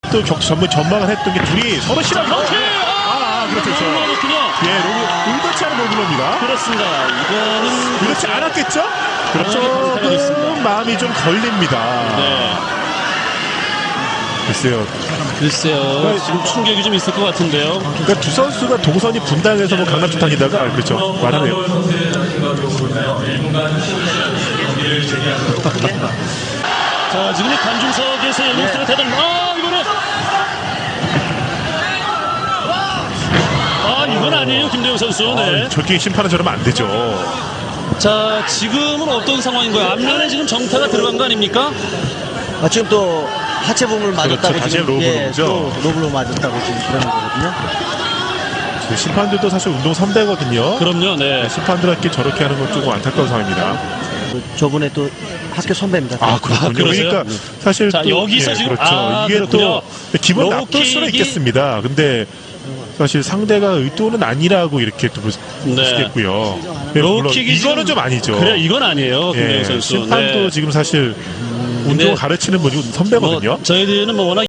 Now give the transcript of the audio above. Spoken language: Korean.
또 전망을 했던 게 둘이 서로 싫어하게. 그렇죠. 예, 의도치 않은 로블로입니다. 그렇습니다. 이거는 그렇지 않았겠죠? 그렇죠. 조금 마음이 좀 걸립니다. 네. 글쎄요. 지금 충격이 좀 있을 것 같은데요. 그러니까 두 선수가 동선이 분당해서 뭐 강남 쪽 다니다가 그렇죠. 말하네요. 자, 지금 이 관중석에서 연봉수가 대단. 이건 아니에요, 김대웅 선수. 네. 저렇게 심판은 저러면 안 되죠. 자, 지금은 어떤 상황인가요? 앞면에 지금 정타가 들어간 거 아닙니까? 지금 또 하체 부분을 맞았다고 그렇죠. 다시 지금 로블로죠. 또 로블로 맞았다고 지금 그러는 거거든요. 그 심판들도 사실 운동 선배거든요. 그럼요, 네. 심판들한테 저렇게 하는 건 조금 안타까운 상황입니다. 저번에 또 학교 선배입니다. 그렇군요. 그러세요? 그러니까 사실 자, 또 여기서 지금 그렇죠. 이게 그렇군요. 또 기분 로우 나쁠 수는 킥이- 있겠습니다. 근데 사실 상대가 의도는 아니라고 이렇게 또 볼 수 있겠고요. 네, 물론 로우킥이 이거는 좀 아니죠. 그래, 이건 아니에요, 김대웅 예, 선수. 심판도 네. 지금 사실 운동 가르치는 분이 선배거든요. 저희들은 워낙